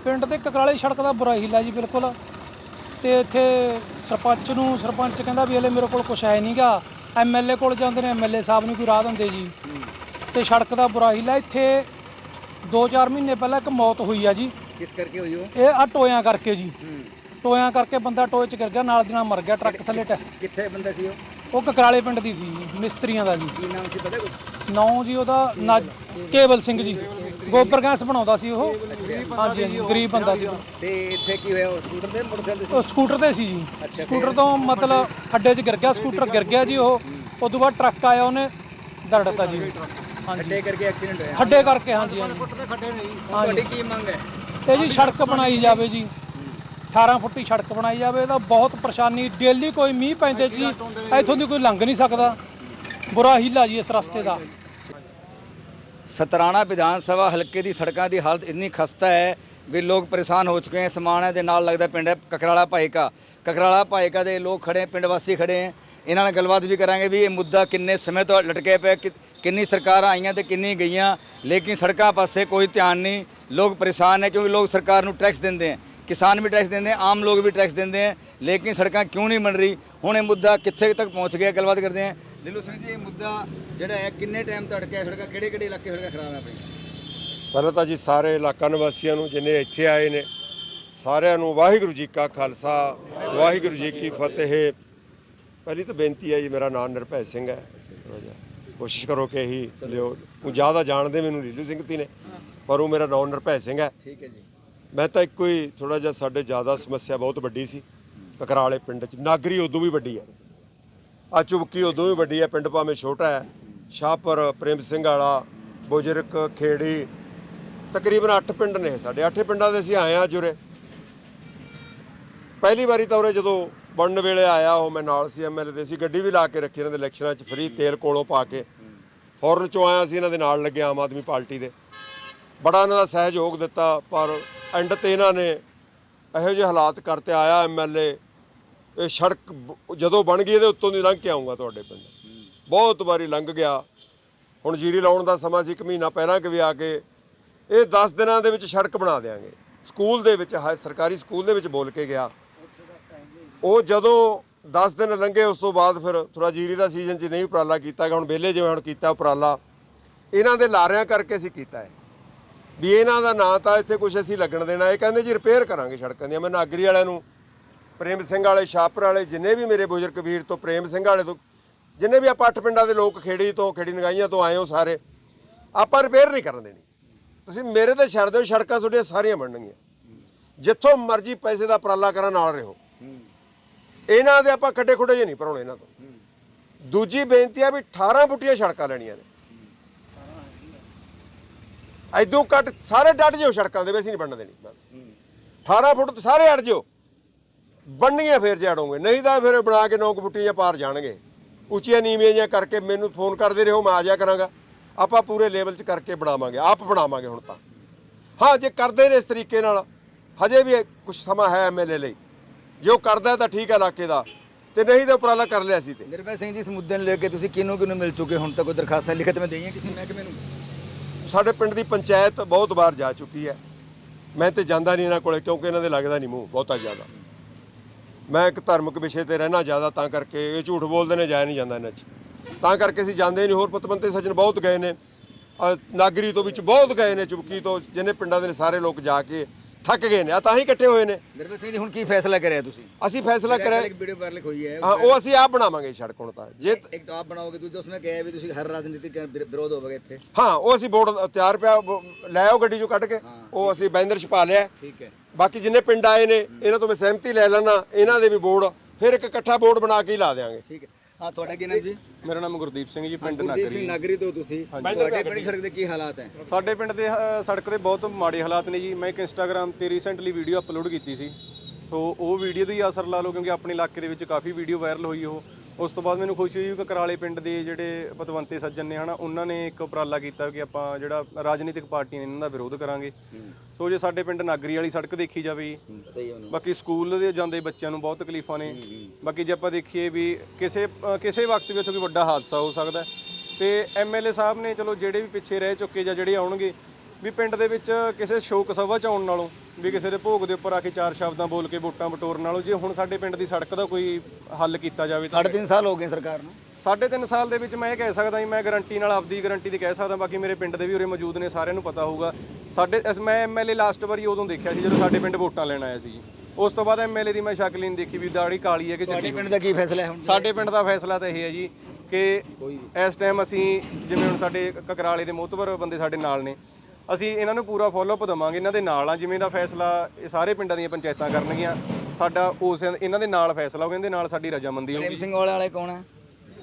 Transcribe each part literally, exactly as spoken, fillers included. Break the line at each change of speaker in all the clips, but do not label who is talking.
ਪਿੰਡ ਦੇ ਕਕਰਾਲੇ ਸੜਕ ਦਾ ਬੁਰਾ ਹੀਲਾ ਜੀ ਬਿਲਕੁਲ। ਤੇ ਇੱਥੇ ਸਰਪੰਚ ਨੂੰ ਸਰਪੰਚ ਕਹਿੰਦਾ ਵੀ ਹਲੇ ਮੇਰੇ ਕੋਲ ਕੁਛ ਹੈ ਨਹੀਂਗਾ। ਐਮਐਲਏ ਕੋਲ ਜਾਂਦੇ ਨੇ, ਐਮਐਲਏ ਸਾਹਿਬ ਨੂੰ ਕੋਈ ਰਾਹ ਦਿੰਦੇ ਜੀ। ਤੇ ਸੜਕ ਦਾ ਬੁਰਾ ਹੀਲਾ। ਇੱਥੇ ਦੋ ਚਾਰ ਮਹੀਨੇ ਪਹਿਲਾਂ ਇੱਕ ਮੌਤ ਹੋਈ ਆ ਜੀ।
ਕਿਸ ਕਰਕੇ ਹੋਈ ਉਹ?
ਇਹ ਆ ਟੋਇਆਂ ਕਰਕੇ ਜੀ। ਟੋਇਆਂ ਕਰਕੇ ਬੰਦਾ ਟੋਏ 'ਚ ਗਿਰ ਗਿਆ, ਨਾਲ ਦੀ ਨਾਲ ਮਰ ਗਿਆ ਟਰੱਕ ਥੱਲੇ।
ਕਿੱਥੇ ਬੰਦਾ ਸੀ ਉਹ?
ਉਹ ਕਕਰਾਲੇ ਪਿੰਡ ਦੀ ਸੀ, ਮਿਸਤਰੀਆਂ ਦਾ ਜੀ।
ਕੀ ਨਾਮ ਸੀ ਪਤਾ ਕੁਛ?
ਨਾਂ ਜੀ ਉਹਦਾ ਨਾ ਕੇਵਲ ਸਿੰਘ ਜੀ। ਗੋਬਰ ਗੈਸ ਬਣਾਉਂਦਾ ਸੀ ਉਹ। ਹਾਂਜੀ ਹਾਂਜੀ, ਗਰੀਬ ਬੰਦਾ ਸੀ।
ਤੇ ਇੱਥੇ ਕੀ ਹੋਇਆ? ਸਕੂਟਰ ਤੇ ਮੋਟਰਸਾਈਕਲ ਤੇ?
ਉਹ ਸਕੂਟਰ ਤੇ ਸੀ ਜੀ। ਸਕੂਟਰ ਤੋਂ ਮਤਲਬ ਖੱਡੇ 'ਚ ਗਿਰ ਗਿਆ, ਸਕੂਟਰ ਗਿਰ ਗਿਆ ਜੀ। ਉਹ ਉਸ ਤੋਂ ਬਾਅਦ ਟਰੱਕ ਆਇਆ, ਉਹਨੇ ਦਰੜਤਾ ਜੀ। ਹਾਂਜੀ,
ਖੱਡੇ ਕਰਕੇ ਐਕਸੀਡੈਂਟ ਹੋਇਆ?
ਖੱਡੇ ਕਰਕੇ, ਹਾਂਜੀ ਹਾਂਜੀ।
ਤੁਹਾਡੀ ਕੀ ਮੰਗ ਹੈ?
ਇਹ ਜੀ ਸੜਕ ਬਣਾਈ ਜਾਵੇ ਜੀ, ਅਠਾਰਾਂ ਫੁੱਟੀ ਸੜਕ ਬਣਾਈ ਜਾਵੇ। ਇਹਦਾ ਬਹੁਤ ਪਰੇਸ਼ਾਨੀ, ਡੇਲੀ ਕੋਈ ਮੀਂਹ ਪੈਂਦੇ ਸੀ, ਇੱਥੋਂ ਦੀ ਕੋਈ ਲੰਘ ਨਹੀਂ ਸਕਦਾ। ਬੁਰਾ ਹੀਲਾ ਜੀ ਇਸ ਰਸਤੇ ਦਾ।
ਸਤਰਾਣਾ ਵਿਧਾਨ ਸਭਾ ਹਲਕੇ ਦੀ ਸੜਕਾਂ ਦੀ ਹਾਲਤ ਇੰਨੀ ਖਸਤਾ ਹੈ ਵੀ ਲੋਕ ਪਰੇਸ਼ਾਨ ਹੋ ਚੁੱਕੇ ਹਨ। ਸਮਾਣਾ ਦੇ ਨਾਲ ਲੱਗਦਾ ਪਿੰਡ ਹੈ ਕਕਰਾਲਾ ਭਾਈਕਾ। ਕਕਰਾਲਾ ਭਾਈਕਾ ਦੇ ਲੋਕ ਖੜੇ, ਪਿੰਡ ਵਾਸੀ ਖੜੇ ਹੈ। ਇਹਨਾਂ ਨਾਲ ਗੱਲਬਾਤ ਵੀ ਕਰਾਂਗੇ ਵੀ ਇਹ ਮੁੱਦਾ ਕਿੰਨੇ ਸਮੇਂ ਤੋਂ ਲਟਕੇ ਪਿਆ, ਕਿੰਨੀ ਸਰਕਾਰਾਂ ਆਈਆਂ ਤੇ ਕਿੰਨੀ ਗਈਆਂ, ਲੇਕਿਨ ਸੜਕਾਂ ਪਾਸੇ ਕੋਈ ਧਿਆਨ ਨਹੀਂ। ਲੋਕ ਪਰੇਸ਼ਾਨ ਹੈ ਕਿਉਂਕਿ ਲੋਕ ਸਰਕਾਰ ਨੂੰ ਟੈਕਸ ਦਿੰਦੇ हैं, किसान भी टैक्स देंगे, आम लोग भी टैक्स देंगे, लेकिन सड़क क्यों नहीं बन रही। हुण ये मुद्दा कित्थे तक पहुँच गया, गलबात करते हैं। लीलू सिंह जी, ये मुद्दा जिहड़ा है किन्ने टाइम तो अटकिया? सड़क किहड़े किहड़े इलाके सड़क खराब है अपनी?
ਪਹਿਲਾਂ ਤਾਂ ਜੀ ਸਾਰੇ ਇਲਾਕਾ ਨਿਵਾਸੀਆਂ ਨੂੰ ਜਿੰਨੇ ਇੱਥੇ ਆਏ ਨੇ ਸਾਰਿਆਂ ਨੂੰ ਵਾਹਿਗੁਰੂ ਜੀ ਕਾ ਖਾਲਸਾ ਵਾਹਿਗੁਰੂ ਜੀ ਕੀ ਫਤਿਹ। ਪਹਿਲੀ ਤਾਂ ਬੇਨਤੀ ਹੈ ਜੀ, ਮੇਰਾ ਨਾਮ ਨਿਰਭੈ ਸਿੰਘ ਹੈ। ਕੋਸ਼ਿਸ਼ ਕਰੋ ਕਿ ਇਹੀ ਲਿਓ। ਉਹ ਜ਼ਿਆਦਾ ਜਾਣਦੇ ਮੈਨੂੰ ਲੀਲੂ ਸਿੰਘ ਤੀ ਨੇ, ਪਰ ਉਹ ਮੇਰਾ ਨਾਮ ਨਿਰਭੈ ਸਿੰਘ ਹੈ।
ਠੀਕ ਹੈ ਜੀ।
ਮੈਂ ਤਾਂ ਇੱਕੋ ਹੀ ਥੋੜ੍ਹਾ ਜਿਹਾ, ਸਾਡੇ ਜ਼ਿਆਦਾ ਸਮੱਸਿਆ ਬਹੁਤ ਵੱਡੀ ਸੀ ਕਕਰਾਲੇ ਪਿੰਡ 'ਚ। ਨਾਗਰੀ ਉਦੋਂ ਵੀ ਵੱਡੀ ਹੈ, ਆ ਚੁਬਕੀ ਉਦੋਂ ਵੀ ਵੱਡੀ ਹੈ। ਪਿੰਡ ਭਾਵੇਂ ਛੋਟਾ ਹੈ, ਸ਼ਾਹਪੁਰ, ਪ੍ਰੇਮ ਸਿੰਘ ਵਾਲਾ, ਬੁਜਰਕ, ਖੇੜੀ, ਤਕਰੀਬਨ ਅੱਠ ਪਿੰਡ ਨੇ ਸਾਡੇ। ਅੱਠੇ ਪਿੰਡਾਂ ਦੇ ਅਸੀਂ ਆਏ ਹਾਂ ਜੁਰੇ। ਪਹਿਲੀ ਵਾਰੀ ਤਾਂ ਉਰੇ ਜਦੋਂ ਬਣਨ ਵੇਲੇ ਆਇਆ, ਉਹ ਮੈਂ ਨਾਲ ਸੀ, ਐਮਐਲਏ ਦੇ ਸੀ। ਗੱਡੀ ਵੀ ਲਾ ਕੇ ਰੱਖੀ ਇਹਨਾਂ ਦੇ ਇਲੈਕਸ਼ਨਾਂ 'ਚ, ਫਰੀ ਤੇਲ ਕੋਲੋਂ ਪਾ ਕੇ ਫੌਰਨ 'ਚੋਂ ਆਇਆ ਸੀ। ਇਹਨਾਂ ਦੇ ਨਾਲ ਲੱਗੇ ਆਮ ਆਦਮੀ ਪਾਰਟੀ ਦੇ, ਬੜਾ ਇਹਨਾਂ ਦਾ ਸਹਿਯੋਗ ਦਿੱਤਾ। ਪਰ ਐਂਡ 'ਤੇ ਇਹਨਾਂ ਨੇ ਇਹੋ ਜਿਹੇ ਹਾਲਾਤ ਕਰਤੇ। ਆਇਆ ਐਮਐਲਏ, ਇਹ ਸੜਕ ਜਦੋਂ ਬਣ ਗਈ ਇਹਦੇ ਉੱਤੋਂ ਦੀ ਲੰਘ ਕੇ ਆਊਂਗਾ ਤੁਹਾਡੇ ਪਿੰਡ। ਬਹੁਤ ਵਾਰੀ ਲੰਘ ਗਿਆ। ਹੁਣ ਜੀਰੀ ਲਾਉਣ ਦਾ ਸਮਾਂ ਸੀ, ਇੱਕ ਮਹੀਨਾ ਪਹਿਲਾਂ ਕਿ ਵੀ ਆ ਕੇ ਇਹ ਦਸ ਦਿਨਾਂ ਦੇ ਵਿੱਚ ਸੜਕ ਬਣਾ ਦਿਆਂਗੇ। ਸਕੂਲ ਦੇ ਵਿੱਚ, ਸਰਕਾਰੀ ਸਕੂਲ ਦੇ ਵਿੱਚ ਬੋਲ ਕੇ ਗਿਆ। ਉਹ ਜਦੋਂ ਦਸ ਦਿਨ ਲੰਘੇ, ਉਸ ਤੋਂ ਬਾਅਦ ਫਿਰ ਥੋੜ੍ਹਾ ਜੀਰੀ ਦਾ ਸੀਜ਼ਨ 'ਚ ਨਹੀਂ ਉਪਰਾਲਾ ਕੀਤਾ ਗਿਆ। ਹੁਣ ਵਿਹਲੇ ਜਿਵੇਂ ਹੁਣ ਕੀਤਾ ਉਪਰਾਲਾ, ਇਹਨਾਂ ਦੇ ਲਾਰਿਆਂ ਕਰਕੇ ਅਸੀਂ ਕੀਤਾ ਹੈ ਵੀ ਇਹਨਾਂ ਦਾ ਨਾਂ ਤਾਂ ਇੱਥੇ ਕੁਛ ਅਸੀਂ ਲੱਗਣ ਦੇਣਾ। ਇਹ ਕਹਿੰਦੇ ਜੀ ਰਿਪੇਅਰ ਕਰਾਂਗੇ ਸੜਕਾਂ ਦੀਆਂ। ਮੈਂ ਨਾਗਰੀ ਵਾਲਿਆਂ ਨੂੰ, ਪ੍ਰੇਮ ਸਿੰਘ ਵਾਲੇ, ਸ਼ਾਹਪੁਰ ਵਾਲੇ, ਜਿੰਨੇ ਵੀ ਮੇਰੇ ਬੁਜ਼ਰਗ ਵੀਰ ਤੋਂ, ਪ੍ਰੇਮ ਸਿੰਘ ਵਾਲੇ ਤੋਂ, ਜਿੰਨੇ ਵੀ ਆਪਾਂ ਅੱਠ ਪਿੰਡਾਂ ਦੇ ਲੋਕ, ਖੇੜੀ ਤੋਂ, ਖੇੜੀ ਨਗਾਈਆਂ ਤੋਂ ਆਏ ਹੋ ਸਾਰੇ, ਆਪਾਂ ਰਿਪੇਅਰ ਨਹੀਂ ਕਰਨ ਦੇਣੀ। ਤੁਸੀਂ ਮੇਰੇ ਤੇ ਛੱਡ ਦਿਓ, ਸੜਕਾਂ ਤੁਹਾਡੀਆਂ ਸਾਰੀਆਂ ਬਣਨਗੀਆਂ। ਜਿੱਥੋਂ ਮਰਜ਼ੀ ਪੈਸੇ ਦਾ ਉਪਰਾਲਾ ਕਰਨ ਨਾਲ ਰਹੋ। ਇਹਨਾਂ ਦੇ ਆਪਾਂ ਖੱਡੇ ਖੁੱਡੇ ਜੇ ਨਹੀਂ ਭਰਾਉਣੇ ਇਹਨਾਂ ਤੋਂ। ਦੂਜੀ ਬੇਨਤੀ ਆ ਵੀ ਅਠਾਰਾਂ ਫੁੱਟੀਆਂ ਸੜਕਾਂ ਲੈਣੀਆਂ ਨੇ। ਐਦੋਂ ਘੱਟ ਸਾਰੇ ਡੱਟ ਜਿਓ ਸੜਕਾਂ ਦੇ, ਵੀ ਅਸੀਂ ਨਹੀਂ ਬਣਨ ਦੇਣੀ। ਬਸ ਅਠਾਰਾਂ ਫੁੱਟ ਸਾਰੇ ਅੜ ਜਿਓ, ਬਣਨੀਆਂ ਫੇਰ ਜੜੋਗੇ, ਨਹੀਂ ਤਾਂ ਫਿਰ ਬਣਾ ਕੇ ਨੌ ਫੁੱਟੀਆਂ ਜਾਂ ਪਾਰ ਜਾਣਗੇ। ਉੱਚੀਆਂ ਨੀਵੀਆਂ ਜਿਹੀਆਂ ਕਰਕੇ ਮੈਨੂੰ ਫੋਨ ਕਰਦੇ ਰਹੋ, ਮੈਂ ਆ ਜਾਇਆ ਕਰਾਂਗਾ। ਆਪਾਂ ਪੂਰੇ ਲੈਵਲ 'ਚ ਕਰਕੇ ਬਣਾਵਾਂਗੇ, ਆਪ ਬਣਾਵਾਂਗੇ ਹੁਣ ਤਾਂ। ਹਾਂ, ਜੇ ਕਰਦੇ ਨੇ ਇਸ ਤਰੀਕੇ ਨਾਲ, ਹਜੇ ਵੀ ਕੁਛ ਸਮਾਂ ਹੈ ਐਮਐਲਏ ਲਈ। ਜੇ ਉਹ ਕਰਦਾ ਤਾਂ ਠੀਕ ਹੈ ਇਲਾਕੇ ਦਾ, ਤੇ ਨਹੀਂ ਤਾਂ ਉਪਰਾਲਾ ਕਰ ਲਿਆ ਸੀ। ਤੇ
ਨਿਰਭੈ ਸਿੰਘ ਜੀ, ਇਸ ਮੁੱਦੇ ਨੂੰ ਲੈ ਕੇ ਤੁਸੀਂ ਕਿਹਨੂੰ ਕਿਹਨੂੰ ਮਿਲ ਚੁੱਕੇ? ਹੁਣ ਤੱਕ ਕੋਈ ਦਰਖਾਸਤਾਂ ਲਿਖਤ ਵਿੱਚ ਦੇਈਆਂ ਕਿਸੇ ਮਹਿਕਮੇ ਨੂੰ?
ਸਾਡੇ ਪਿੰਡ ਦੀ ਪੰਚਾਇਤ ਬਹੁਤ ਵਾਰ ਜਾ ਚੁੱਕੀ ਹੈ। ਮੈਂ ਤੇ ਜਾਂਦਾ ਨਹੀਂ ਇਹਨਾਂ ਕੋਲੇ, ਕਿਉਂਕਿ ਇਹਨਾਂ ਦੇ ਲੱਗਦਾ ਨਹੀਂ ਮੂੰਹ ਬਹੁਤਾ ਜ਼ਿਆਦਾ। ਮੈਂ ਇੱਕ ਧਾਰਮਿਕ ਵਿਸ਼ੇ ਤੇ ਰਹਿਣਾ ਜ਼ਿਆਦਾ, ਤਾਂ ਕਰਕੇ ਇਹ ਝੂਠ ਬੋਲਦੇ ਨੇ, ਜਾਇਆ ਨਹੀਂ ਜਾਂਦਾ ਇਹਨਾਂ 'ਚ, ਤਾਂ ਕਰਕੇ ਅਸੀਂ ਜਾਂਦੇ ਨਹੀਂ। ਹੋਰ ਪਤਵੰਤੇ ਸੱਜਣ ਬਹੁਤ ਗਏ ਨੇ, ਨਾਗਰੀ ਤੋਂ ਵਿੱਚ ਬਹੁਤ ਗਏ ਨੇ, ਚੁਬਕੀ ਤੋਂ, ਜਿੰਨੇ ਪਿੰਡਾਂ ਦੇ ਸਾਰੇ ਲੋਕ ਜਾ ਕੇ ਥੱਕ ਗਏ ਨੇ। ਆ ਤਾਂ ਹੀ ਇਕੱਠੇ ਹੋਏ ਨੇ।
ਨਿਰਭੈ ਸਿੰਘ ਜੀ, ਹੁਣ ਕੀ ਫੈਸਲਾ ਕਰਿਆ ਤੁਸੀਂ?
ਅਸੀਂ ਫੈਸਲਾ ਕਰਿਆ,
ਇੱਕ ਵੀਡੀਓ ਵਾਇਰਲ ਹੋਈ ਹੈ,
ਹਾਂ, ਉਹ ਅਸੀਂ ਆਪ ਬਣਾਵਾਂਗੇ ਸੜਕ। ਹੁਣ ਤਾਂ ਜੇ
ਇੱਕ ਤਾਂ ਆਪ ਬਣਾਓਗੇ, ਦੂਜਾ ਉਸਨੇ ਕਿਹਾ ਵੀ ਤੁਸੀਂ ਹਰ ਰਾਜਨੀਤਿਕ ਵਿਰੋਧ ਹੋਵੋਗੇ ਇੱਥੇ।
ਹਾਂ, ਉਹ ਅਸੀਂ ਬੋਰਡ ਤਿਆਰ ਪਿਆ, ਲੈ ਆਓ ਗੱਡੀ 'ਚੋਂ ਕੱਢ ਕੇ, ਉਹ ਅਸੀਂ ਬੈਨਰ ਛਪਾ ਲਿਆ।
ਠੀਕ ਹੈ।
ਬਾਕੀ ਜਿੰਨੇ ਪਿੰਡ ਆਏ ਨੇ ਇਹਨਾਂ ਤੋਂ ਮੈਂ ਸਹਿਮਤੀ ਲੈ ਲੈਣਾ, ਇਹਨਾਂ ਦੇ ਵੀ ਬੋਰਡ ਫਿਰ ਇੱਕ ਇਕੱਠਾ ਬੋਰਡ ਬਣਾ ਕੇ ਹੀ ਲਾ ਦੇਵਾਂਗੇ।
ਠੀਕ ਹੈ। ਹਾਂ, ਤੁਹਾਡਾ ਕੀ ਨਾਮ ਜੀ?
ਮੇਰਾ ਨਾਮ ਗੁਰਦੀਪ ਸਿੰਘ ਜੀ, ਪਿੰਡ
ਗੁਰਦੀਪ ਸਿੰਘ ਨਾਗਰੀ ਤੋਂ ਤੁਸੀਂ। ਤੁਹਾਡੇ ਪਿੰਡ ਸੜਕ ਦੇ ਕੀ ਹਾਲਾਤ ਹੈ?
ਸਾਡੇ ਪਿੰਡ ਦੇ ਅ, ਸੜਕ ਦੇ ਬਹੁਤ ਮਾੜੇ ਹਾਲਾਤ ਨੇ ਜੀ। ਮੈਂ ਇੱਕ ਇੰਸਟਾਗ੍ਰਾਮ ਤੇ ਰੀਸੈਂਟਲੀ ਵੀਡੀਓ ਅਪਲੋਡ ਕੀਤੀ ਸੀ, ਸੋ ਉਹ ਵੀਡੀਓ ਦਾ ਹੀ ਅਸਰ ਲਾ ਲਓ, ਕਿਉਂਕਿ ਆਪਣੇ ਇਲਾਕੇ ਦੇ ਵਿੱਚ ਕਾਫੀ ਵੀਡੀਓ ਵਾਇਰਲ ਹੋਈ ਉਹ। ਉਸ ਤੋਂ ਬਾਅਦ ਮੈਨੂੰ ਖੁਸ਼ੀ ਹੋਈ ਕਿ ਕਕਰਾਲੇ ਪਿੰਡ ਦੇ ਜਿਹੜੇ ਪਤਵੰਤੇ ਸੱਜਣ ਨੇ ਹਨਾ, ਉਹਨਾਂ ਨੇ ਇੱਕ ਉਪਰਾਲਾ ਕੀਤਾ ਕਿ ਆਪਾਂ ਜਿਹੜਾ ਰਾਜਨੀਤਿਕ ਪਾਰਟੀਆਂ ਨੇ ਇਹਨਾਂ ਦਾ ਵਿਰੋਧ ਕਰਾਂਗੇ। ਸੋ ਜੇ ਸਾਡੇ ਪਿੰਡ ਨਾਗਰੀ ਵਾਲੀ ਸੜਕ ਦੇਖੀ ਜਾਵੇ, ਬਾਕੀ ਸਕੂਲ ਦੇ ਜਾਂਦੇ ਬੱਚਿਆਂ ਨੂੰ ਬਹੁਤ ਤਕਲੀਫਾਂ ਨੇ। ਬਾਕੀ ਜੇ ਆਪਾਂ ਦੇਖੀਏ ਵੀ ਕਿਸੇ ਕਿਸੇ ਵਕਤ ਵੀ ਉੱਥੇ ਕੋਈ ਵੱਡਾ ਹਾਦਸਾ ਹੋ ਸਕਦਾ, ਤੇ ਐਮਐਲਏ ਸਾਹਿਬ ਨੇ ਚਲੋ ਜਿਹੜੇ ਵੀ ਪਿੱਛੇ ਰਹਿ ਚੁੱਕੇ ਜਾਂ ਜਿਹੜੇ ਆਉਣਗੇ, ਵੀ ਪਿੰਡ ਦੇ ਵਿੱਚ ਕਿਸੇ ਸ਼ੋਕ ਸਭਾ 'ਚ ਆਉਣ ਨਾਲੋਂ ਵੀ ਕਿਸੇ ਦੇ ਭੋਗ ਦੇ ਉੱਪਰ ਆ ਕੇ ਚਾਰ ਸ਼ਬਦਾਂ ਬੋਲ ਕੇ ਵੋਟਾਂ ਬਟੋਰਨ ਨਾਲੋਂ ਜੇ ਹੁਣ ਸਾਡੇ ਪਿੰਡ ਦੀ ਸੜਕ ਦਾ ਕੋਈ ਹੱਲ ਕੀਤਾ ਜਾਵੇ ਤਾਂ
ਸਾਢੇ ਤਿੰਨ ਸਾਲ ਹੋ ਗਏ ਸਰਕਾਰ ਨੂੰ।
ਸਾਢੇ ਤਿੰਨ ਸਾਲ ਦੇ ਵਿੱਚ ਮੈਂ ਇਹ ਕਹਿ ਸਕਦਾ ਜੀ, ਮੈਂ ਗਾਰੰਟੀ ਨਾਲ ਆਪਦੀ ਗਾਰੰਟੀ ਦੀ ਕਹਿ ਸਕਦਾ, ਬਾਕੀ ਮੇਰੇ ਪਿੰਡ ਦੇ ਵੀ ਉਰੇ ਮੌਜੂਦ ਨੇ, ਸਾਰਿਆਂ ਨੂੰ ਪਤਾ ਹੋਊਗਾ। ਸਾਡੇ ਅਸ- ਮੈਂ ਐਮਐਲਏ ਲਾਸਟ ਵਾਰੀ ਉਦੋਂ ਦੇਖਿਆ ਸੀ ਜਦੋਂ ਸਾਡੇ ਪਿੰਡ ਵੋਟਾਂ ਲੈਣ ਆਇਆ ਸੀ ਜੀ। ਉਸ ਤੋਂ ਬਾਅਦ ਐਮਐਲਏ ਦੀ ਮੈਂ ਸ਼ਕਲ ਹੀ ਨਹੀਂ ਦੇਖੀ ਵੀ ਦਾੜੀ ਕਾਲੀ ਹੈ ਕਿ
ਤੁਹਾਡੇ
ਚਿੱਟੀ।
ਪਿੰਡ ਦਾ ਕੀ ਫੈਸਲਾ ਹੈ ਹੁਣ?
ਸਾਡੇ ਪਿੰਡ ਦਾ ਫੈਸਲਾ ਤਾਂ ਇਹ ਹੈ ਜੀ ਕਿ ਇਸ ਟਾਈਮ ਅਸੀਂ ਜਿਵੇਂ ਹੁਣ ਸਾਡੇ ਕਕਰਾਲੇ ਦੇ ਮੋਹਤਬਰ ਬੰਦੇ ਸਾਡੇ ਨਾਲ ਨੇ, ਅਸੀਂ ਇਹਨਾਂ ਨੂੰ ਪੂਰਾ ਫੋਲੋਅਪ ਦੇਵਾਂਗੇ, ਇਹਨਾਂ ਦੇ ਨਾਲ ਆ। ਜਿਵੇਂ ਦਾ ਫੈਸਲਾ ਇਹ ਸਾਰੇ ਪਿੰਡਾਂ ਦੀਆਂ ਪੰਚਾਇਤਾਂ ਕਰਨਗੀਆਂ, ਸਾਡਾ ਉਸ ਇਹਨਾਂ ਦੇ ਨਾਲ ਫੈਸਲਾ ਹੋਊਗਾ, ਇਹਦੇ ਨਾਲ ਸਾਡੀ ਰਜਾਮੰਦੀ
ਪ੍ਰੇਮ
ਹੋਊਗੀ।
ਸਿੰਘ ਵਾਲੇ ਵਾਲੇ ਕੌਣ ਹੈ?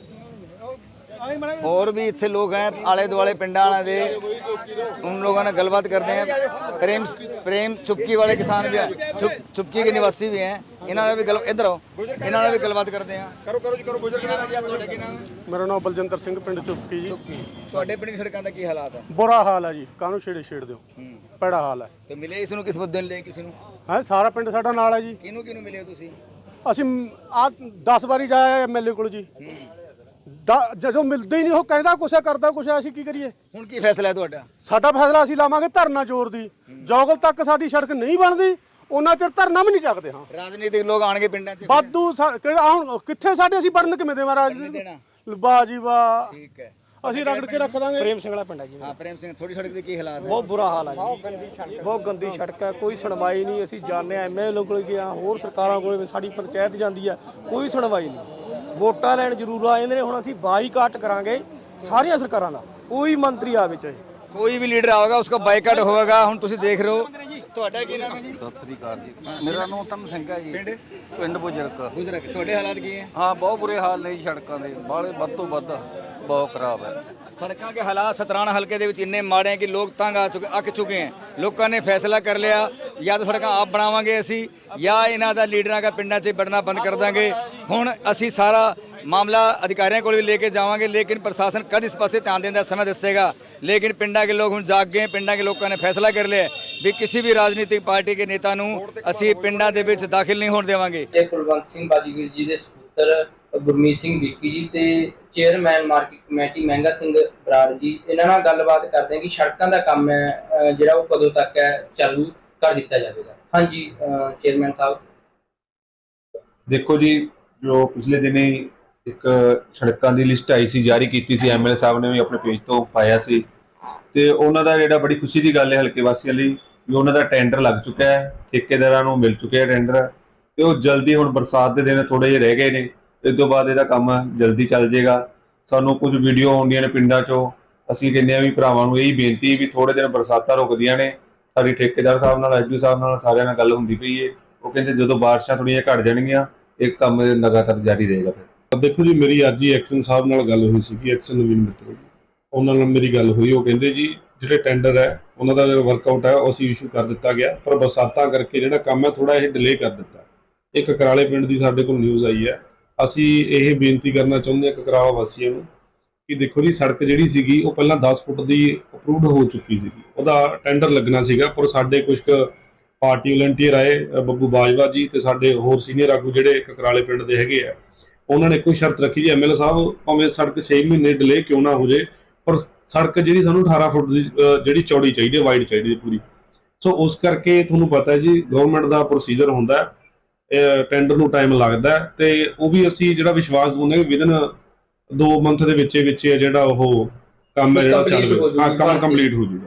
और भी इतने लोग हैं आले दुआले पिंडा दे, उन लोगों ने गलबात करते हैं। प्रेम प्रेम चुपकी वाले किसान भी हैं, चुप चुपकी के निवासी भी हैं, इन्होंने भी गल इधर आओ इन्होंने भी गलबात करते हैं।
ਕਰੋ ਕਰੋ ਜੀ ਕਰੋ ਗੁਜਰ
ਮੇਰਾ ਨਾਮ ਬਲਜਿੰਦਰ ਸਿੰਘ, ਪਿੰਡ ਚੁੱਪਕੀ ਜੀ।
ਤੁਹਾਡੇ ਪਿੰਡ ਦੀ ਸੜਕਾਂ ਦਾ ਕੀ ਹਾਲਾਤ ਹੈ?
ਬੁਰਾ ਹਾਲ ਹੈ ਜੀ, ਕਾਹਨੂੰ ਛੇੜੇ ਛੇੜ ਦਿਓ, ਭੈੜਾ ਹਾਲ ਹੈ।
ਤੇ ਮਿਲੇ ਇਸ ਨੂੰ ਕਿਸ ਮੁੱਦੇ ਨੂੰ ਲੈ ਕਿਸੇ ਨੂੰ?
ਹਾਂ, ਸਾਰਾ ਪਿੰਡ ਸਾਡਾ ਨਾਲ ਹੈ ਜੀ।
ਕਿਹਨੂੰ ਕਿਹਨੂੰ ਮਿਲੇ ਹੋ ਤੁਸੀਂ?
ਅਸੀਂ ਆ ਦਸ ਵਾਰੀ ਜਾਇਆ ਐਮਐਲਏ ਕੋਲ ਜੀ, ਦ- ਜਦੋਂ ਮਿਲਦੇ ਹੀ ਨਹੀਂ ਉਹ ਕਹਿੰਦਾ ਕੁਛ ਹੈ, ਕਰਦਾ ਕੁਛ ਹੈ, ਅਸੀਂ ਕੀ ਕਰੀਏ?
ਹੁਣ ਕੀ ਫੈਸਲਾ ਹੈ ਤੁਹਾਡਾ?
ਸਾਡਾ ਫੈਸਲਾ ਅਸੀਂ ਲਾਵਾਂਗੇ ਧਰਨਾ ਜ਼ੋਰ ਦੀ, ਜੋਗਲ ਤੱਕ ਸਾਡੀ ਸੜਕ ਨਹੀਂ ਬਣਦੀ ਉਹਨਾਂ ਚਿਰ ਧਰਨਾ ਵੀ ਨਹੀਂ ਚੱਕਦੇ। ਹਾਂ,
ਰਾਜਨੀਤਿਕ ਲੋਕ ਆਣਗੇ ਪਿੰਡਾਂ 'ਚ?
ਵਾਧੂ ਸਾ- ਕਿਹੜਾ ਹੁਣ ਕਿੱਥੇ ਸਾਡੇ ਅਸੀਂ ਬਣਨ ਕਿਵੇਂ ਦੇਵਾਂ ਰਾਜ
ਦੇਣਾ?
ਵਾਹ ਜੀ ਵਾਹ,
ਠੀਕ ਹੈ,
ਅਸੀਂ ਰਗੜ ਕੇ ਰੱਖ ਦਾਂਗੇ।
ਪ੍ਰੇਮ ਸਿੰਘ ਵਾਲਾ ਪਿੰਡ ਹੈ ਜੀ।
ਹਾਂ ਪ੍ਰੇਮ ਸਿੰਘ, ਥੋੜੀ ਸੜਕ ਦੇ ਕੀ ਹਾਲਾਤ ਹੈ?
ਬਹੁਤ ਬੁਰਾ ਹਾਲ ਹੈ ਜੀ, ਬਹੁਤ ਗੰਦੀ ਸੜਕ ਹੈ, ਕੋਈ ਸੁਣਵਾਈ ਨਹੀਂ। ਅਸੀਂ ਜਾਂਦੇ ਆ ਐਮਐਲਏ ਕੋਲ ਗਿਆ, ਹੋਰ ਸਰਕਾਰਾਂ ਕੋਲ, ਸਾਡੀ ਪੰਚਾਇਤ ਜਾਂਦੀ ਆ, ਕੋਈ ਸੁਣਵਾਈ ਨਹੀਂ। ਵੋਟਾਂ ਲੈਣ ਜ਼ਰੂਰ ਆ ਜਾਂਦੇ ਨੇ, ਹੁਣ ਅਸੀਂ ਬਾਈਕਾਟ ਕਰਾਂਗੇ ਸਾਰੀਆਂ ਸਰਕਾਰਾਂ ਦਾ, ਕੋਈ ਮੰਤਰੀ ਆਵੇ ਚਾਹੇ
ਕੋਈ ਵੀ ਲੀਡਰ ਆਵੇਗਾ ਉਸਕਾ ਬਾਈਕਾਟ ਹੋਵੇਗਾ। ਹੁਣ ਤੁਸੀਂ ਦੇਖ ਰਹੇ ਹੋ। ਤੁਹਾਡਾ ਕੀ ਨਾਮ ਹੈ ਜੀ?
ਸਤਿ ਸ੍ਰੀ ਅਕਾਲ ਜੀ, ਮੇਰਾ ਨਾਮ ਤਨ ਸਿੰਘ ਹੈ ਜੀ,
ਪਿੰਡ
ਪਿੰਡ ਬੁਜਰਕ।
ਗੁਜਰਕ। ਤੁਹਾਡੇ ਹਾਲਾਤ ਕੀ ਹੈ?
ਹਾਂ, ਬਹੁਤ ਬੁਰੇ ਹਾਲ ਨੇ ਜੀ ਸੜਕਾਂ ਦੇ, ਬਾਲੇ ਵੱਧ ਤੋਂ ਵੱਧ ਬਹੁਤ ਖਰਾਬ ਹੈ।
ਸੜਕਾਂ के हालात सतराना हल्के ਦੇ ਵਿੱਚ ਇੰਨੇ ਮਾੜੇ हैं कि लोग तंग आ चुके ਅੱਕ ਚੁੱਕੇ हैं। ਲੋਕਾਂ ਨੇ ਫੈਸਲਾ ਕਰ ਲਿਆ, ਜਾਂ ਤਾਂ ਸੜਕਾਂ ਆਪ ਬਣਾਵਾਂਗੇ ਅਸੀਂ, ਜਾਂ ਇਹਨਾਂ ਦਾ ਲੀਡਰਾਂ ਦਾ ਪਿੰਡਾਂ 'ਚ ਵੜਨਾ ਬੰਦ ਕਰ ਦਾਂਗੇ। ਹੁਣ ਅਸੀਂ ਸਾਰਾ ਮਾਮਲਾ ਅਧਿਕਾਰੀਆਂ ਕੋਲ ਵੀ ਲੈ ਕੇ ਜਾਵਾਂਗੇ, ਲੇਕਿਨ ਪ੍ਰਸ਼ਾਸਨ ਕਦ ਇਸ ਪਾਸੇ ਧਿਆਨ ਦੇਣ ਦਾ ਸਮਾਂ ਦੱਸੇਗਾ। ਲੇਕਿਨ ਪਿੰਡਾਂ ਦੇ ਲੋਕ ਹੁਣ ਜਾਗ ਗਏ, ਪਿੰਡਾਂ ਦੇ ਲੋਕਾਂ ਨੇ ਫੈਸਲਾ ਕਰ ਲਿਆ ਵੀ ਕਿਸੇ ਵੀ ਰਾਜਨੀਤਿਕ ਪਾਰਟੀ ਦੇ ਨੇਤਾ ਨੂੰ ਅਸੀਂ ਪਿੰਡਾਂ ਦੇ ਵਿੱਚ ਦਾਖਲ ਨਹੀਂ ਹੋਣ ਦੇਵਾਂਗੇ।
ਤੇ ਕੁਲਵੰਤ ਸਿੰਘ ਬਾਜੀਗਰ ਜੀ ਦੇ ਸਪੁੱਤਰ ਗੁਰਮੀਤ ਸਿੰਘ ਵਿੱਕੀ ਜੀ ਤੇ ਚੇਅਰਮੈਨ ਮਾਰਕੀਟ ਕਮੇਟੀ ਮਹਿੰਗਾ ਸਿੰਘ ਬਰਾੜ ਜੀ, ਇਹਨਾਂ ਨਾਲ ਗੱਲਬਾਤ ਕਰਦੇ ਹਾਂ ਕਿ ਸੜਕਾਂ ਦਾ ਕੰਮ ਹੈ ਜਿਹੜਾ ਉਹ ਕਦੋਂ ਤੱਕ ਹੈ ਚਾਲੂ ਕਰ ਦਿੱਤਾ ਜਾਵੇਗਾ। ਹਾਂਜੀ ਚੇਅਰਮੈਨ ਸਾਹਿਬ।
ਦੇਖੋ ਜੀ, ਜੋ ਪਿਛਲੇ ਦਿਨੀ ਇੱਕ ਸੜਕਾਂ ਦੀ ਲਿਸਟ ਆਈ ਸੀ, ਜਾਰੀ ਕੀਤੀ ਸੀ, ਐਮਐਲਏ ਸਾਹਿਬ ਨੇ ਵੀ ਆਪਣੇ ਪੇਜ ਤੋਂ ਪਾਇਆ ਸੀ, ਤੇ ਉਹਨਾਂ ਦਾ ਜਿਹੜਾ ਬੜੀ ਖੁਸ਼ੀ ਦੀ ਗੱਲ ਹੈ ਹਲਕੇ ਵਾਸੀਆਂ ਲਈ ਵੀ ਉਹਨਾਂ ਦਾ ਟੈਂਡਰ ਲੱਗ ਚੁੱਕਾ ਹੈ, ਠੇਕੇਦਾਰਾਂ ਨੂੰ ਮਿਲ ਚੁੱਕਿਆ ਟੈਂਡਰ, ਤੇ ਉਹ ਜਲਦੀ, ਹੁਣ ਬਰਸਾਤ ਦੇ ਦਿਨ ਥੋੜੇ ਜਿਹੇ ਰਹਿ ਗਏ ਨੇ, ਇਸ ਤੋਂ ਬਾਅਦ ਇਹਦਾ ਕੰਮ ਜਲਦੀ ਚੱਲ ਜਾਏਗਾ। ਸਾਨੂੰ ਕੁਝ ਵੀਡੀਓ ਆਉਂਦੀਆਂ ਨੇ ਪਿੰਡਾਂ 'ਚੋਂ, ਅਸੀਂ ਕਹਿੰਦੇ ਹਾਂ ਵੀ ਭਰਾਵਾਂ ਨੂੰ ਇਹੀ ਬੇਨਤੀ ਵੀ ਥੋੜੇ ਦਿਨ ਬਰਸਾਤਾਂ ਰੁਕਦੀਆਂ ਨੇ, ਸਾਡੀ ਠੇਕੇਦਾਰ ਸਾਹਿਬ ਨਾਲ, ਐਸਡੀ ਸਾਹਿਬ ਨਾਲ, ਸਾਰਿਆਂ ਨਾਲ ਗੱਲ ਹੁੰਦੀ ਪਈ ਹੈ। ਉਹ ਕਹਿੰਦੇ ਜਦੋਂ ਬਾਰਿਸ਼ਾਂ ਥੋੜ੍ਹੀਆਂ ਘਟ ਜਾਣਗੀਆਂ ਇਹ ਕੰਮ ਲਗਾਤਾਰ ਜਾਰੀ ਰਹੇਗਾ। ਫਿਰ
ਦੇਖੋ ਜੀ, ਮੇਰੀ ਅੱਜ ਹੀ ਐਕਸ਼ਨ ਸਾਹਿਬ ਨਾਲ ਗੱਲ ਹੋਈ ਸੀਗੀ, ਐਕਸ਼ਨ ਨਵੀਨ ਮਿੱਤਰ ਜੀ, ਉਹਨਾਂ ਨਾਲ ਮੇਰੀ ਗੱਲ ਹੋਈ। ਉਹ ਕਹਿੰਦੇ ਜੀ ਜਿਹੜੇ ਟੈਂਡਰ ਹੈ ਉਹਨਾਂ ਦਾ ਜਿਹੜਾ ਵਰਕਆਊਟ ਹੈ ਉਹ ਅਸੀਂ ਇਸ਼ੂ ਕਰ ਦਿੱਤਾ ਗਿਆ, ਪਰ ਬਰਸਾਤਾਂ ਕਰਕੇ ਜਿਹੜਾ ਕੰਮ ਹੈ ਥੋੜਾ ਇਹ ਡਿਲੇ ਕਰ ਦਿੱਤਾ। ਇੱਕ ਕਕਰਾਲੇ ਪਿੰਡ ਦੀ ਸਾਡੇ ਕੋਲ ਨਿਊਜ਼ ਆਈ ਹੈ, ਅਸੀਂ ਇਹ ਬੇਨਤੀ ਕਰਨਾ ਚਾਹੁੰਦੇ ਹਾਂ ਕਕਰਾਲਾ ਵਾਸੀਆਂ ਨੂੰ ਕਿ ਦੇਖੋ ਜੀ, ਸੜਕ ਜਿਹੜੀ ਸੀਗੀ ਉਹ ਪਹਿਲਾਂ ਦਸ ਫੁੱਟ ਦੀ ਅਪਰੂਵਡ ਹੋ ਚੁੱਕੀ ਸੀਗੀ, ਉਹਦਾ ਟੈਂਡਰ ਲੱਗਣਾ ਸੀਗਾ, ਪਰ ਸਾਡੇ ਕੁਝ ਕੁ ਪਾਰਟੀ ਵਲੰਟੀਅਰ ਆਏ, ਬੱਬੂ ਬਾਜਵਾ ਜੀ ਤੇ ਸਾਡੇ ਹੋਰ ਸੀਨੀਅਰ ਆਗੂ ਜਿਹੜੇ ਕਕਰਾਲੇ ਪਿੰਡ ਦੇ ਹੈਗੇ ਆ, ਉਹਨਾਂ ਨੇ ਕੋਈ ਸ਼ਰਤ ਰੱਖੀ ਜੀ, ਐਮਐਲਏ ਸਾਹਿਬ ਭਾਵੇਂ ਸੜਕ ਛੇ ਮਹੀਨੇ ਡਿਲੇ ਕਿਉਂ ਨਾ ਹੋ ਜੇ, ਪਰ ਸੜਕ ਜਿਹੜੀ ਸਾਨੂੰ ਅਠਾਰਾਂ ਫੁੱਟ ਦੀ ਜਿਹੜੀ ਚੌੜੀ ਚਾਹੀਦੀ ਹੈ, ਵਾਈਡ ਚਾਹੀਦੀ ਹੈ ਪੂਰੀ। ਸੋ ਉਸ ਕਰਕੇ ਤੁਹਾਨੂੰ ਪਤਾ ਹੈ ਜੀ, ਗਵਰਨਮੈਂਟ ਦਾ ਪ੍ਰੋਸੀਜਰ ਹੁੰਦਾ, ਟੈਂਡਰ ਨੂੰ ਟਾਈਮ ਲੱਗਦਾ, ਤੇ ਉਹ ਵੀ ਅਸੀਂ ਜਿਹੜਾ ਵਿਸ਼ਵਾਸ ਦਿੰਦੇ ਹਾਂ ਵਿਦਨ ਦੋ ਮੰਥ ਦੇ ਵਿੱਚ ਵਿੱਚ ਜਿਹੜਾ ਉਹ ਕੰਮ ਹੈ ਜਿਹੜਾ ਚੱਲ ਰਿਹਾ, ਕੰਮ ਕੰਪਲੀਟ ਹੋ ਜਾਊਗਾ।